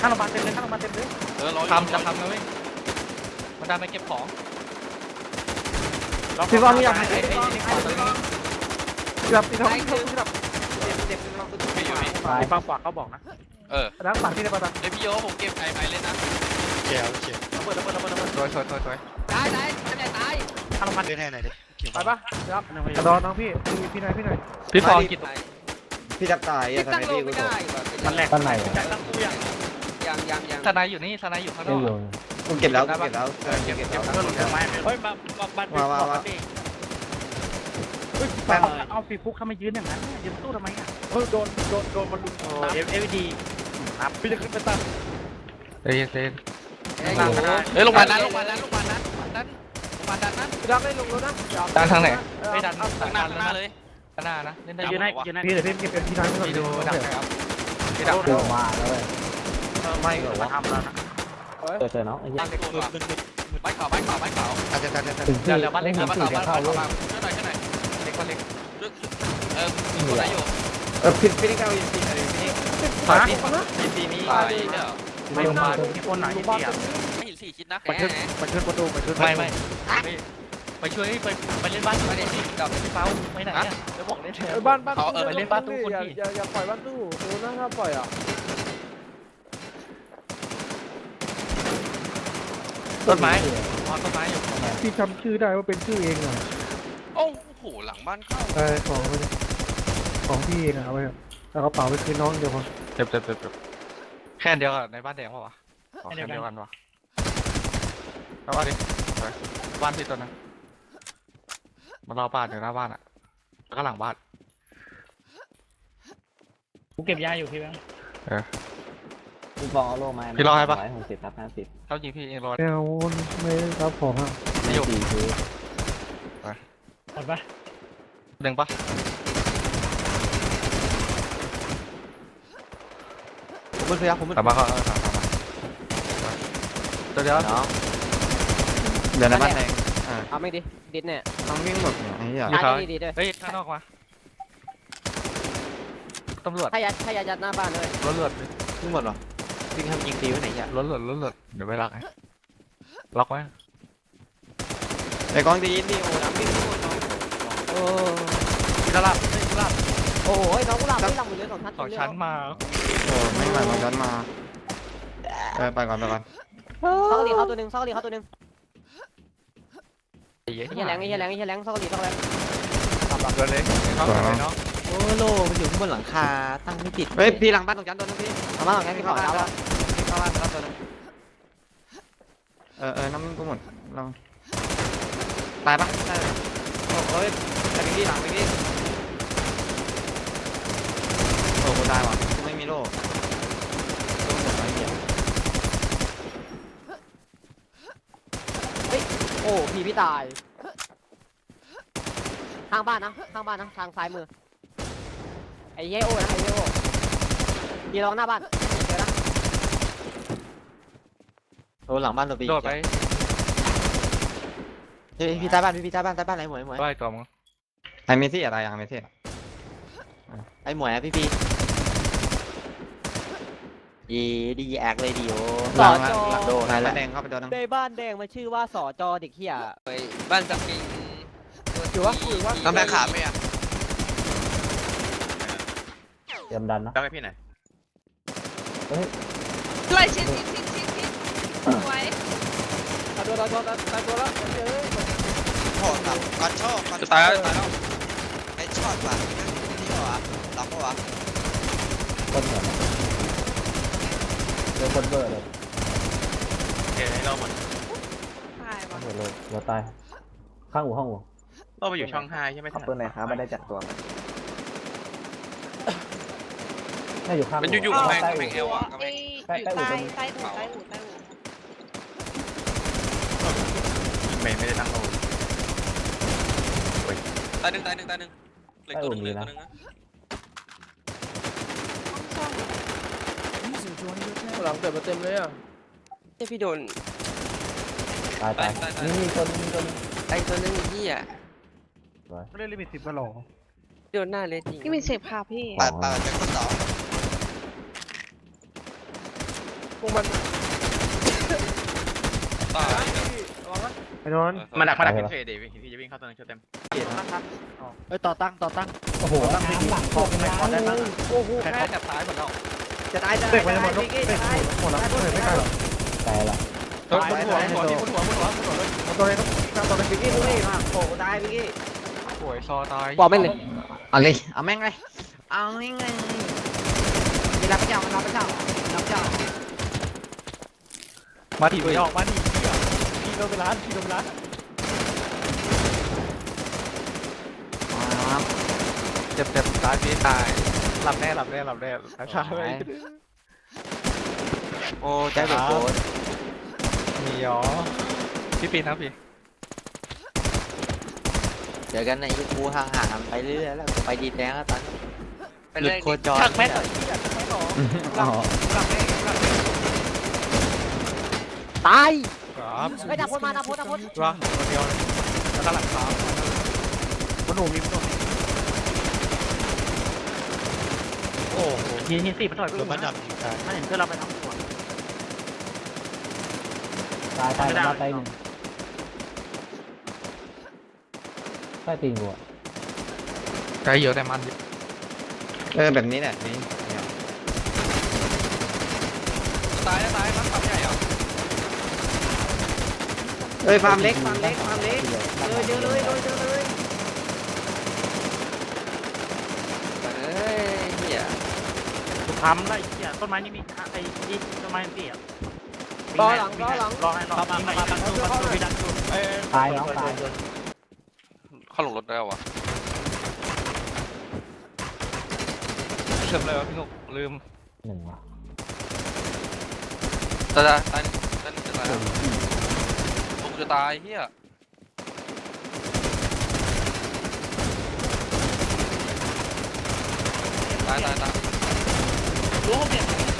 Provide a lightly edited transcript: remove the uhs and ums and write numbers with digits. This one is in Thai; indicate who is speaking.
Speaker 1: ข้างโรงพยาบาลเต็มเลยข้างโรงพยาบาลเต็มเลย
Speaker 2: ทำจะทำนะเว้ยมันดันไปเก็บของ
Speaker 1: พี่ก้อนนี่อยาก
Speaker 2: ไอ้
Speaker 1: แบบพี่ท็อปแบบเจ็บลองตัวพี่ฟังฝากเขาบอกนะแล้วฝั่งที่ในประตู
Speaker 2: เดี๋ยวพี่โยผมเก็บไอ้ไม้เล่นนะ
Speaker 3: เกี่ยว
Speaker 1: ระเบิด
Speaker 2: สวย
Speaker 4: ตายทำใหญ่ตาย
Speaker 1: ข้างโรงพยาบาล
Speaker 3: เล่นให้หน่อยดิ
Speaker 1: ไปปะครับรอน้องพี่พี่หน่อย
Speaker 2: พี่ฟองกิน
Speaker 5: พี่จับตาย
Speaker 4: พี่ตั้งโลไม่ได้
Speaker 1: มันแหลก
Speaker 6: ต้นไหน
Speaker 1: ตั้งตู้ยัง
Speaker 4: ยัง
Speaker 2: ทนายอยู่นี่ทนายอยู่ข้างน
Speaker 6: ไม่
Speaker 2: อก
Speaker 6: อยู่
Speaker 5: กูเก็บแล้ว
Speaker 2: เก็บแล้ว
Speaker 1: ก็หลุดไม้เฮ้ยมาแป้งเอาฟีฟุกเข้ามายืนอย่างนั้นยืนตู้ทำไมอ่ะโดนมันลุมเอฟดีครับพี่จะขึ้นไปตั้ง
Speaker 2: เฮ้ยลงมานั้น
Speaker 1: ดักได้ลงแล้วนะ
Speaker 2: ดันทางไหน
Speaker 1: ไม่ดัน
Speaker 2: ข้างหน้าเลยข้างหน้านะเล่นได้
Speaker 1: ยืนให้พี่เดี๋ยวพี่เก็บเป็นพี่น้อยไม่ต้อง
Speaker 2: ดูดักครับพี่ดัก
Speaker 6: เจอมาแล้วเว้ย
Speaker 1: ไม่เหรอมาทำแล้วนะ
Speaker 6: เจอน้องไอ้ยักษ์
Speaker 2: ใบขาว
Speaker 3: อาจจะ
Speaker 6: ถึงที่
Speaker 2: เดี๋ยวบ้านเล็ก
Speaker 6: ถึงที่จะเข้าเลย
Speaker 2: ช่วยหน่อยเล็กบ้านเล็กมีคนไหนอยู่
Speaker 5: พี่นี่ก้าวยิงปีอะไรพี่นี่
Speaker 2: ถอย
Speaker 5: ยิงปีนี้
Speaker 1: ไม่มาที่คนไหนที่อ่ะ
Speaker 2: ไม่เห็น4 ชิ้นนะ
Speaker 1: มันขึ้นประตูไม่ไปช่วยไปเล่นบ้านไปเล่นกับพี่เป้าไปไหนอ่ะจะบอกเล่นเถอะ
Speaker 7: บ้าน
Speaker 1: ไปเล่นบ้านตู้คนที่
Speaker 7: อย่าปล่อยบ้านตู้โอ้น่าถ้าปล่อยอ่ะ
Speaker 2: ต้นไม้ต้นไม้อยู่
Speaker 7: พี่จำชื่อได้ว่าเป็นชื่อเองอ่ะ
Speaker 2: โอ้โหหลังบ้านเข้า
Speaker 7: ของพี่เองอ่ะเอาไปเอากระเป๋าไปคืนน้องเดี๋ยวพอ
Speaker 2: เจ็บแค่เดียวกันในบ้านแดงป่าวะแค่เดียวกันวะแล้วว่าดิบ้านที่ตัวนั้นมันรอบ้านอยู่หน้าบ้านอ่ะแล้วก็หลังบ้าน
Speaker 1: กูเก็บยาอยู่พี่แบงค์
Speaker 6: พี่ฟองเอาโล่มา160/50
Speaker 2: เขายิงพี่เองรอ
Speaker 7: แนวไม่รับของอ่ะ
Speaker 2: ไม่อยู่
Speaker 6: 4คือ
Speaker 1: หมดปะ
Speaker 2: ดึงปะ
Speaker 5: ผมเป็นพยาผมเป็น
Speaker 2: แต่มาก็ตัวเดียว
Speaker 5: น้องเดี๋ยวในบ้านแดง
Speaker 4: เอาไม่ดิดิดเนี่ย
Speaker 5: น้องวิ่งหมดไอ้เหี้ย
Speaker 4: ตายดีด้วย
Speaker 2: เฮ้ยข้างนอกมาตำรวจ
Speaker 4: ถ้ายัดหน้าบ้านเลย
Speaker 2: รถเลือด
Speaker 5: วิ่งหมดหรอวิ่งทำยิงตีไว้ไหนอ่ะ
Speaker 2: รถเลือดเดี๋ยวไปล็อกไงล็อกไว้
Speaker 5: ไอ้กองดีนี่โอ้น้ำวิ่งหมดน้องโอ้
Speaker 2: กระลับ
Speaker 4: โอ้โหน้องกุหลาบไม่ลำหมดเลย
Speaker 2: สองชั้นมา
Speaker 5: โหไม่ไหวมันย้อนมาไปก่อน
Speaker 4: ซอกหลีเข้าตัวหนึ่งไอ้เหี้ยแรงซอกหลี
Speaker 2: เกินเลยเข้าไปเนาะ
Speaker 5: โอ้โลมันอยู่ข้างบนหลังคาตั้งไม่ติดเฮ้ยพี่หลังบ้านตรงชั้นตัวนึงพี่
Speaker 4: เอามาหลังนี้พี่ขอแล้ว
Speaker 5: เข้าบ้านแล้วตัวนึงน้ำมันก็หมดลองตายปะใช่โอ้ยแต่พี่หลังพี่โอ้กูตายว่ะไม่มีโล่ต้องหมดไปเหี้ย
Speaker 4: โอ้พี่ตายข้างบ้านนะทางซ้ายมือไอ้เหี้ยโอ้นะพี่ลองหน้าบ้านเจอนะ
Speaker 5: โอ้หลังบ้านตัวปี
Speaker 2: โดดไป
Speaker 5: พี่ใต้บ้านไหนหมวย
Speaker 2: ไล่ตัวมึง
Speaker 5: ไอ้เมซี่อะไรเมซี่ไอ้หมวยพี่ดีแอคเลยดีโอหลังโดนแดงเข้าไปโดนน้ำ
Speaker 4: ในบ้านแดงมันชื่อว่าสจเด็กเหี้ย
Speaker 2: บ้านจับปิง
Speaker 7: ถือว่า
Speaker 3: น้ำแม่ขาไม่อ่ะ
Speaker 6: เตรียมดันนะ
Speaker 3: ต้องให้พี่หน่อย
Speaker 8: ไล่ชิดไว้
Speaker 7: ตายตัวแล้วเอ้ย
Speaker 3: โหดแบบก่อนโชคก่อน
Speaker 2: จะตายแล้ว
Speaker 3: ไอ้ชอบว่ะนี่เหรอหลับปะวะ
Speaker 6: ต้นเหมือนเจอคนเบอร์เลย
Speaker 2: โอเคเราหมด
Speaker 8: ตายว่ะ
Speaker 6: เดี๋ยวเลยเดี๋ยวตายข้างห้อง
Speaker 2: เราไปอยู่ช่อง5ใช่ไหม
Speaker 5: ขอบคุณนะครับไม่ได้จัดตัว
Speaker 6: น่าอยู่ข้าง
Speaker 2: มันอยู่กับแมงเอวอ่ะ
Speaker 8: ไอ้อยู่ใต้อู่
Speaker 2: ไม่ได้ตั้งโลตายหนึ่งเหล็กตัวหนึ่งนะ
Speaker 7: หลังเกิดมาเต็มเลยอ่ะ
Speaker 4: พี่โดน
Speaker 6: ตายนี่คน
Speaker 4: ไอ้ตัวนึงพี่อ่ะ
Speaker 1: ไม่ได้ลิมิต10กันหรอ
Speaker 4: โดนหน้าเลยจริง
Speaker 8: พี่มีเสพค่ะพี่
Speaker 3: ปาดเป็นคนต่อ
Speaker 7: โก
Speaker 3: วกมัน
Speaker 1: ตาย
Speaker 3: ระวังนะ
Speaker 7: ไอ้นนท์
Speaker 5: มาดักเฉยๆดิพี่จะวิ่งเข้าตัวนึงเต็ม
Speaker 1: เอ้ยต่อตั้ง
Speaker 6: โอ้โหน้ำหลังตกน้ำเลย
Speaker 3: โอ้โห
Speaker 1: แค่
Speaker 3: แค่
Speaker 1: จับซ้ายหมดแล้ว
Speaker 3: จะตายจะ
Speaker 7: เด็
Speaker 3: ตาก ย
Speaker 7: มันจะหมด
Speaker 3: พี่
Speaker 7: เด็ก
Speaker 3: ตาย
Speaker 7: หมดแล้วไม่ไม่กล้าหรอก
Speaker 6: ตายละ
Speaker 2: บนหัวเลย
Speaker 7: ตัวนี้ต้องตัวนี้
Speaker 3: พี่กี้ดูนี่มาโผล่ตายพี่กี้
Speaker 2: โอ้ยซอตาย
Speaker 4: บอกไม่เลย
Speaker 5: เอาเลยเอาแม่งเลยเอาแม่งเลยมีรับพระเจ้ารับพระเจ้ารับพระเจ้า
Speaker 1: มาถีบออกมาถีบพี่โดนไปร้านพี่โดนไปร้าน
Speaker 2: เจ็บตายพี่ตายหลับแน่ช้าๆเลย
Speaker 5: โอ้ใจเบิกโกรธ
Speaker 2: มีหรอพี่ปีนครับพี่
Speaker 5: เจอกันในยูทูบห่างๆไปเรื่อยๆแล้วไปดีแดงแล้วตอนนี้
Speaker 3: ไปเลย
Speaker 5: โคจร
Speaker 1: ชักแม่ต่อยชักแม่ต่อ
Speaker 6: อ๋อ
Speaker 4: ตาย
Speaker 2: ครับ
Speaker 4: เฮ้ยดับพลมาดับพล
Speaker 2: ว่าคนเดียวเลยแล้วก็หลังเท้า
Speaker 7: มันหนูมีมันหนู
Speaker 2: โอ้โห
Speaker 1: ยิงสี่มันถอย
Speaker 2: โดนมันดับยิงตาย
Speaker 1: ไม่เห็นเพื่อนเราไปทั้งหัว
Speaker 6: ตายตายตายหนึ่งใต้ตีนกูอะ
Speaker 2: ใจเยอะแต่มัน
Speaker 5: แบบนี้แหละนี่
Speaker 1: ตายมันขับใหญ่เหรอ
Speaker 5: ฟาร์มเล็กเจอเลยเฮีย
Speaker 1: ทำได้เหี้ยต้นไม้นี่มีไอ้ต้นไม้นี่อ่ะ
Speaker 4: รอหลัง
Speaker 1: รอให้รอมาตั้งตัวพี่ดันตัว
Speaker 6: ตายน้องตาย
Speaker 2: เข้าลงรถได้วะเชื่อมเลยวะพี่นุกลืม
Speaker 6: หนึ่งว่ะ
Speaker 2: ตายจะตายแล้วผมจะตายเฮียตาย
Speaker 1: รู้เนี่ย